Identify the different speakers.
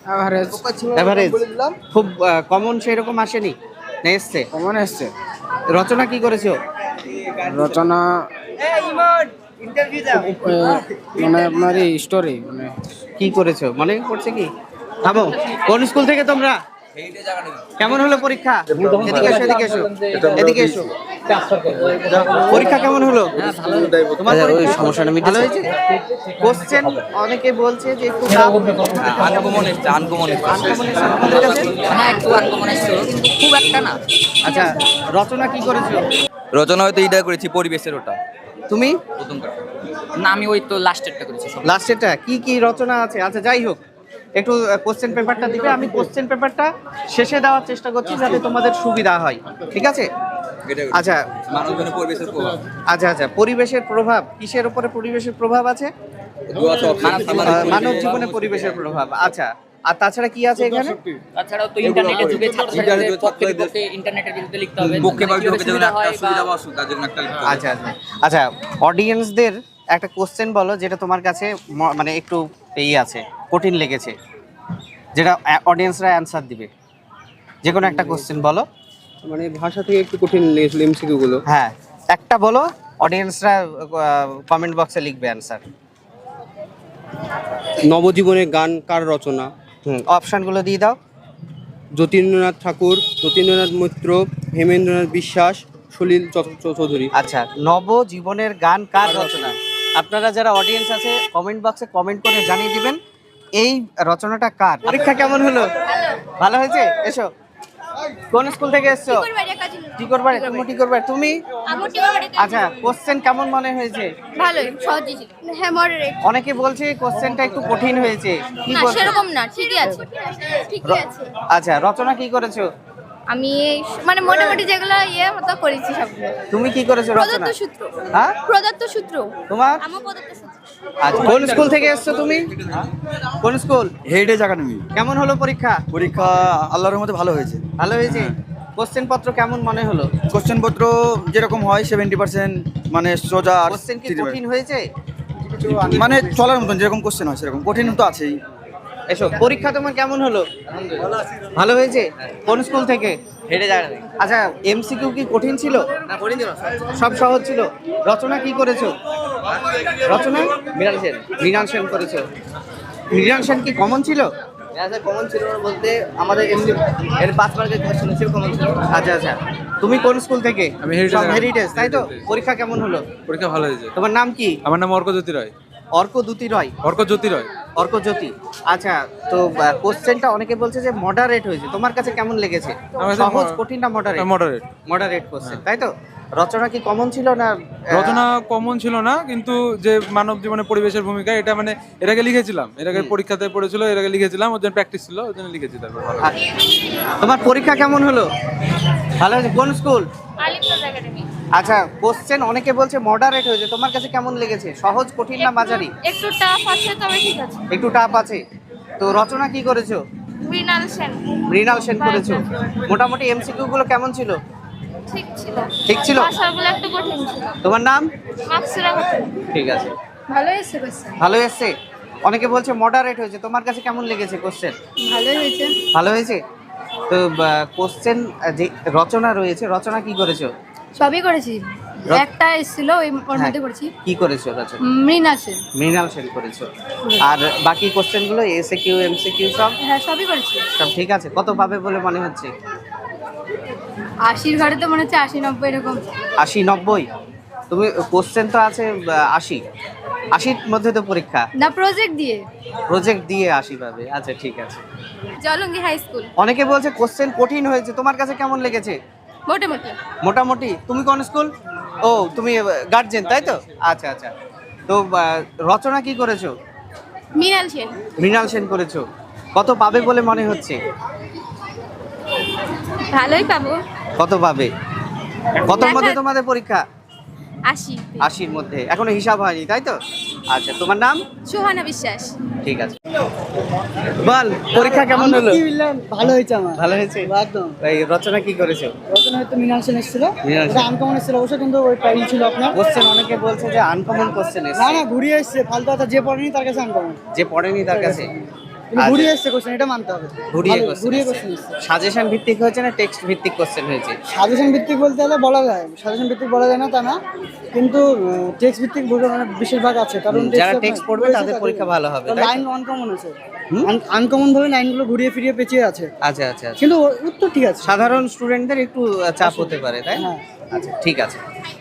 Speaker 1: Average.
Speaker 2: Average, খুব common সেরকম আসেনি না? এসছে,
Speaker 1: কমন এসছে।
Speaker 2: রচনা কি করেছো?
Speaker 1: রচনা মানে আপনার স্টোরি মানে
Speaker 2: কি করেছো মনে পড়ছে কি? থামো, কোন স্কুল থেকে তোমরা? কেমন হলো পরীক্ষা? এদিকে এসো, এদিকে এসো, এদিকে এসো। পরীক্ষা কেমন হলো? তোমার পরীক্ষা সমস্যাটা ভালো হয়েছে? কোশ্চেন অনেকে বলছে যে একটু
Speaker 3: আনকমন এসছে, আনকমন এসছে।
Speaker 2: তোমাদের কাছে?
Speaker 4: হ্যাঁ একটু আনকমন এসেছিল কিন্তু খুব একটা না।
Speaker 2: আচ্ছা, রচনা কি করেছো?
Speaker 3: রচনা হয়তো এইটা করেছি, পরিবেশের ওটা
Speaker 2: তুমি
Speaker 3: প্রথমটা।
Speaker 4: না আমি ওই তো লাস্টেরটা করেছি সব।
Speaker 2: লাস্টেরটা কি কি রচনা আছে? আচ্ছা যাই হোক, একটু কোশ্চেন পেপারটা দিবে, আমি কোশ্চেন পেপারটা শেষে দেওয়ার চেষ্টা করছি যাতে তোমাদের সুবিধা হয়, ঠিক আছে? আচ্ছা
Speaker 3: মানব জীবনে পরিবেশের প্রভাব।
Speaker 2: আচ্ছা আচ্ছা, পরিবেশের প্রভাব কিসের উপরে পরিবেশের প্রভাব আছে? মানব জীবনে পরিবেশের প্রভাব। আচ্ছা, আর তাছাড়া কি আছে এখানে?
Speaker 4: তাছাড়াও তো ইন্টারনেটের যুগে ছাত্রছাত্রীদের পক্ষে বিপক্ষে ইন্টারনেটের বিরুদ্ধে লিখতে হবে।
Speaker 3: পক্ষে বা বিপক্ষে যেমন
Speaker 4: হয়
Speaker 3: একটা সুবিধা বা অসুবিধা যেমন একটা লিখতে হবে।
Speaker 2: আচ্ছা আচ্ছা আচ্ছা, অডিয়েন্সদের একটা কোশ্চেন বলো যেটা তোমার কাছে মানে একটু আছে, কঠিন লেগেছে, যেটা অডিয়েন্সরা অ্যান্সার দিবে। যে কোনো একটা কোশ্চেন বলো।
Speaker 1: মানে ভাষা থেকে একটু কঠিন লেগেছিল এমসিকিউ গুলো।
Speaker 2: হ্যাঁ, একটা বলো, অডিয়েন্সরা কমেন্ট বক্সে লিখবে অ্যান্সার।
Speaker 1: নবজীবনের গান কার রচনা?
Speaker 2: অপশানগুলো দিয়ে দাও।
Speaker 1: যতীন্দ্রনাথ ঠাকুর, যতীন্দ্রনাথ মৈত্র, হেমেন্দ্রনাথ বিশ্বাস, সলিল চৌধুরী।
Speaker 2: আচ্ছা, নবজীবনের গান কার রচনা? আপনারা যারা অডিয়েন্স আছে কমেন্ট বক্সে কমেন্ট করে জানিয়ে দিবেন এই রচনাটা কার। পরীক্ষা কেমন হলো? ভালো হয়েছে? এসো। কোন স্কুল থেকে এসছো? টিকরবাড়ি। তুমি টিকরবাড়ি, তুমি? আচ্ছা, কোশ্চেন কেমন মনে হয়েছে?
Speaker 5: ভালোই, সহজই ছিল। হ্যাঁ, মডারেট।
Speaker 2: অনেকে বলছে কোশ্চেনটা একটু কঠিন হয়েছে, কি
Speaker 5: না
Speaker 2: বলছো?
Speaker 5: সেরকম না, ঠিকই আছে, ঠিকই আছে।
Speaker 2: আচ্ছা, রচনা কি করেছো?
Speaker 5: আমি মানে মোটামুটি যেগুলো মতো করেছি সবগুলো।
Speaker 2: তুমি কি করেছো রচনা?
Speaker 5: প্রদত্ত সূত্র।
Speaker 2: হ্যাঁ,
Speaker 5: প্রদত্ত সূত্র।
Speaker 2: তোমার?
Speaker 5: আমার প্রদত্ত সূত্র।
Speaker 2: আচ্ছা, কোন স্কুল থেকে এসছো তুমি? কোন স্কুল?
Speaker 3: Heritage academy.
Speaker 2: কেমন হলো পরীক্ষা?
Speaker 3: পরীক্ষা আল্লাহর রহমতে ভালো হয়েছে।
Speaker 2: ভালো হয়েছে। কোশ্চেন পত্র কেমন মনে হলো?
Speaker 3: কোশ্চেন পত্র যেরকম হয় 70% মানে সোজা। আর
Speaker 2: কোশ্চেন কি কঠিন হয়েছে?
Speaker 3: মানে চলার মতন যেরকম কোশ্চেন হয় সেরকম, কঠিন তো আছেই।
Speaker 2: এসো, পরীক্ষা তোমার কেমন হলো? ভালো হয়েছে। কোন স্কুল থেকে? আচ্ছা, এমসিকিউ কি কঠিন ছিল? না, কঠিন ছিল, সব সহজ ছিল। রচনা কি করেছো? রচনা মৃণাল সেন করেছো। মৃণাল সেন কি কমন ছিল?
Speaker 6: কমন ছিল বলতে আমাদের এমনি এর 5 মার্কের কোশ্চেন ছিল, কমন ছিল।
Speaker 2: আচ্ছা আচ্ছা, তুমি কোন স্কুল থেকে?
Speaker 7: আমি হেরিটেজ।
Speaker 2: সব হেরিটেজ, তাই তো? পরীক্ষা কেমন হলো?
Speaker 7: পরীক্ষা ভালো হয়েছে।
Speaker 2: তোমার নাম কি?
Speaker 7: আমার নাম অর্কজ্যোতি রায়।
Speaker 2: অর্কদ্যুতি রয়।
Speaker 7: অর্কজ্যোতি রায়।
Speaker 2: অর্কজ্যোতি। আচ্ছা, তো কোশ্চেনটা অনেকে বলছে যে মডারেট হয়েছে, তোমার কাছে কেমন লেগেছে?
Speaker 7: আমার কাছে
Speaker 2: সহজ, কঠিন না মডারেট?
Speaker 7: মডারেট।
Speaker 2: মডারেট কোশ্চেন, তাই তো? রচনা কি কমন ছিল না?
Speaker 7: রচনা কমন ছিল না, কিন্তু যে মানব জীবনে পরিবেশের ভূমিকা এটা মানে এর আগে লিখেছিলাম, এর আগে পরীক্ষাতে পড়েছিল, এর আগে লিখেছিলাম, ওর জন্য প্র্যাকটিস ছিল, ওর জন্য লিখেছি। তারপর ভালো।
Speaker 2: তোমার পরীক্ষা কেমন হলো? ভালো হয়েছে। কোন স্কুল?
Speaker 5: আলিপুর একাডেমি।
Speaker 2: আচ্ছা, কোশ্চেন অনেকে বলছে মডারেট হয়েছে, তোমার কাছে কেমন লেগেছে? সহজ, কঠিন না মাঝারি?
Speaker 5: একটু টাফ আছে তবে ঠিক আছে।
Speaker 2: একটু টাফ আছে। তো রচনা কি করেছো?
Speaker 5: মৃণাল সেন।
Speaker 2: মৃণাল সেন করেছো। মোটামুটি এমসিকিউ গুলো কেমন ছিল?
Speaker 5: ঠিক ছিল।
Speaker 2: ঠিক ছিল।
Speaker 5: ভাষাগুলো একটু কঠিন ছিল।
Speaker 2: তোমার নাম?
Speaker 5: মাকসুরা খাতুন।
Speaker 2: ঠিক আছে,
Speaker 5: ভালো এসেছে কোশ্চেন।
Speaker 2: ভালো এসছে। অনেকে বলছে মডারেট হয়েছে, তোমার কাছে কেমন লেগেছে কোশ্চেন?
Speaker 5: ভালোই হয়েছে।
Speaker 2: ভালো হয়েছে। তো কোশ্চেন যে রচনা রয়েছে, রচনা কি করেছো?
Speaker 5: সবই করেছি, একটা এসেছিল ওর মধ্যে করেছি।
Speaker 2: কি করেছো রচনা?
Speaker 5: মৃণাল সেন।
Speaker 2: মৃণাল সেন করেছো। আর বাকি কোশ্চেন গুলো এসএকিউ এমসিকিউ সব
Speaker 5: হ্যাঁ সবই করেছি।
Speaker 2: সব ঠিক আছে। কত পাবে বলে মনে হচ্ছে?
Speaker 5: 80 ঘরে তো মনে হচ্ছে 80-90 এরকম।
Speaker 2: 80-90? তুমি কোশ্চেন তো আছে 80, 80-র মধ্যে তো পরীক্ষা।
Speaker 5: না, প্রজেক্ট দিয়ে।
Speaker 2: প্রজেক্ট দিয়ে 80 পাবে। আচ্ছা ঠিক আছে।
Speaker 5: Jalangi high school.
Speaker 2: অনেকে বলছে কোশ্চেন কঠিন হয়েছে, তোমার কাছে কেমন লেগেছে?
Speaker 5: মোটামুটি।
Speaker 2: মোটামুটি। তুমি কোন স্কুল? ও, তুমি গার্জেন, তাই তো? আচ্ছা আচ্ছা। তো রচনা কি করেছো?
Speaker 5: মৃণাল সেন।
Speaker 2: মৃণাল সেন করেছো। কত পাবে বলে মনে হচ্ছে?
Speaker 5: ভালোই পাবো।
Speaker 2: কত পাবে? কতর মধ্যে তোমাদের পরীক্ষা?
Speaker 5: 80।
Speaker 2: 80-র মধ্যে। এখনো হিসাব হয়নি, তাই তো? আচ্ছা, তোমার নাম?
Speaker 5: সুহানা বিশ্বাস।
Speaker 2: ঠিক আছে। বল, পরীক্ষা কেমন হলো?
Speaker 6: ভালো হয়েছে আমার।
Speaker 2: ভালো হয়েছে
Speaker 6: একদম।
Speaker 2: এই রচনা কি করেছো?
Speaker 6: রচনা হয়তো মৃণাল সেন এসেছিল,
Speaker 2: মৃণাল সেন।
Speaker 6: এটা আনকমন এসেছিল অবশ্য, কিন্তু ওই টাইম ছিল আপনার।
Speaker 2: কোশ্চেন অনেকে বলছে যে আনকমন কোশ্চেন
Speaker 6: না
Speaker 2: এসেছে।
Speaker 6: না, ঘুরিয়ে এসছে ফালতু কথা, যে পড়েনি তার কাছে আনকমন।
Speaker 2: যে পড়েনি তার কাছে। আচ্ছা।
Speaker 8: ঘুরিয়ে এসছে কোশ্চেন, এটা মানতে হবে।
Speaker 2: ঘুরিয়ে
Speaker 8: ভালো,
Speaker 2: কোশ্চেন
Speaker 8: ঘুরিয়ে কোশ্চেন এসছে।
Speaker 2: সাজেশন ভিত্তিক হয়েছে না টেক্সট ভিত্তিক কোশ্চেন হয়েছে?
Speaker 8: সাজেশন ভিত্তিক বলতে হলে বলা যায়, সাজেশন ভিত্তিক বলা যায় না তা না, কিন্তু টেক্সট ভিত্তিক মানে বেশিরভাগ আছে, কারণ
Speaker 2: যারা টেক্সট পড়বে তাদের পরীক্ষা ভালো হবে, তাই তো?
Speaker 8: লাইন আনকমন আছে, আনকমন ভাবে লাইনগুলো ঘুরিয়ে ফিরিয়ে পেঁচিয়ে আছে,
Speaker 2: আচ্ছা আচ্ছা আচ্ছা।
Speaker 8: কিন্তু উত্তর ঠিক আছে।
Speaker 2: সাধারণ স্টুডেন্টদের একটু চাপ হতে পারে, তাই না?
Speaker 8: হ্যাঁ।
Speaker 2: আচ্ছা ঠিক আছে।